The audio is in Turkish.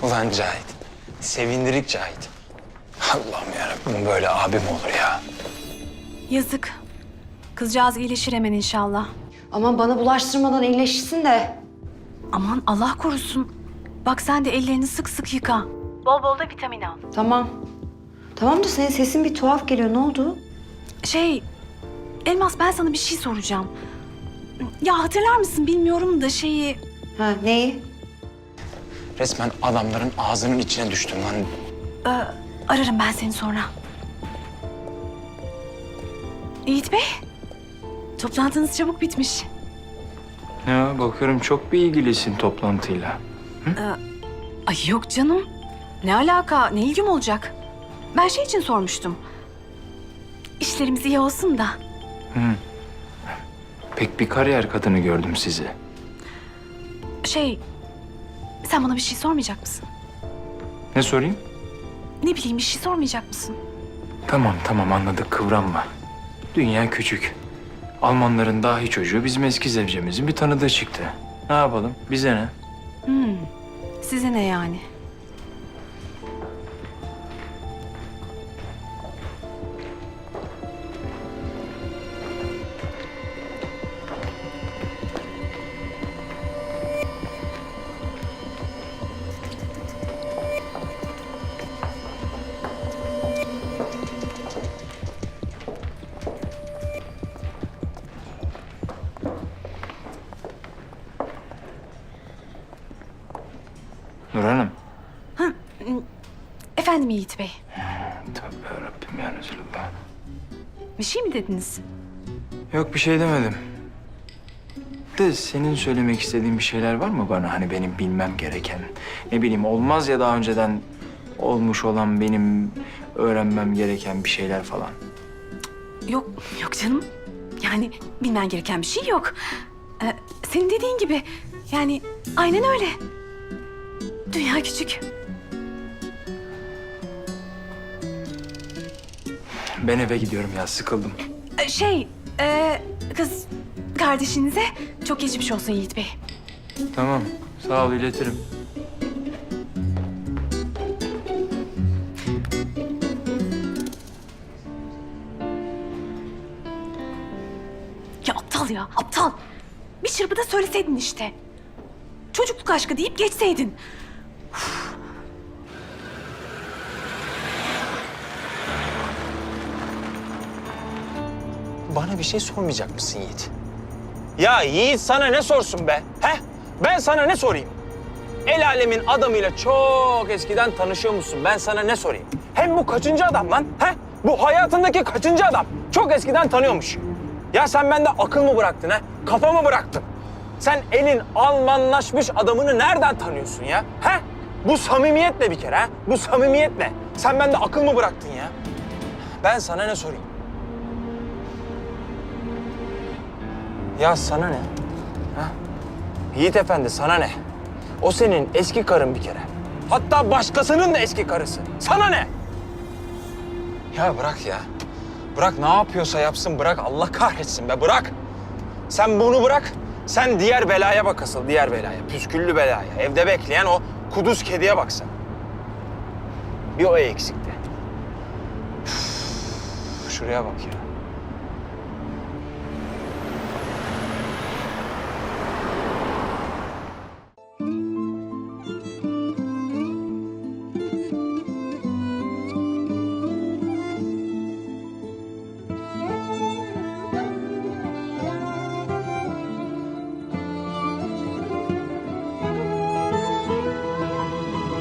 Ulan Cahit. Sevindirik Cahit. Allah'ım yarabbim böyle abim olur ya. Yazık. Kızcağız iyileşir hemen inşallah. Aman bana bulaştırmadan iyileşsin de. Aman Allah korusun. Bak sen de ellerini sık sık yıka. Bol bol da vitamin al. Tamam. Tamam da senin sesin bir tuhaf geliyor. Ne oldu? Elmas ben sana bir şey soracağım. Ya hatırlar mısın bilmiyorum da şeyi... Ha neyi? Resmen adamların ağzının içine düştüm lan. Ararım ben seni sonra. Yiğit Bey, toplantınız çabuk bitmiş. Ya bakıyorum çok bir ilgilisin toplantıyla. Ay yok canım. Ne alaka, ne ilgim olacak? Ben şey için sormuştum. İşlerimiz iyi olsun da. Pek bir kariyer kadını gördüm sizi. Sen bana bir şey sormayacak mısın? Ne sorayım? Ne bileyim bir şey sormayacak mısın? Tamam anladık, kıvranma. Dünya küçük. Almanların dahi çocuğu bizim eski zevcemizin bir tanıdığı çıktı. Ne yapalım? Bize ne? Size ne yani? Nur Hanım. Efendim Yiğit Bey, Tövbe yarabbim ya Resulallah. bir şey mi dediniz? Yok bir şey demedim. De senin söylemek istediğin bir şeyler var mı bana? Hani benim bilmem gereken. Ne bileyim olmaz ya daha önceden olmuş olan benim öğrenmem gereken bir şeyler falan. Yok canım. Yani bilmen gereken bir şey yok. Senin dediğin gibi. Yani aynen öyle. Dünya küçük. Ben eve gidiyorum ya, sıkıldım. Kız kardeşinize çok geçmiş olsun Yiğit Bey. Tamam, sağ ol, iletirim. Ya aptal ya, aptal. Bir çırpıda söyleseydin işte. Çocukluk aşkı deyip geçseydin. Bana bir şey sormayacak mısın Yiğit? Ya Yiğit sana ne sorsun be? He? Ben sana ne sorayım? El alemin adamıyla çok eskiden tanışıyor musun? Ben sana ne sorayım? Hem bu kaçıncı adam lan? He? Bu hayatındaki kaçıncı adam? Çok eskiden tanıyormuş. Ya sen bende akıl mı bıraktın ha? Kafa mı bıraktın? Sen elin Almanlaşmış adamını nereden tanıyorsun ya? He? Bu samimiyetle bir kere ha? Bu samimiyetle. Sen bende akıl mı bıraktın ya? Ben sana ne sorayım? Ya sana ne? Ha? Yiğit Efendi sana ne? O senin eski karın bir kere. Hatta başkasının da eski karısı. Sana ne? Ya bırak ya. Bırak ne yapıyorsa yapsın bırak. Allah kahretsin be bırak. Sen bunu bırak. Sen diğer belaya bak asıl diğer belaya. Püsküllü belaya. Evde bekleyen o kuduz kediye bak sen. Bir o eksikti. Üf, şuraya bak ya.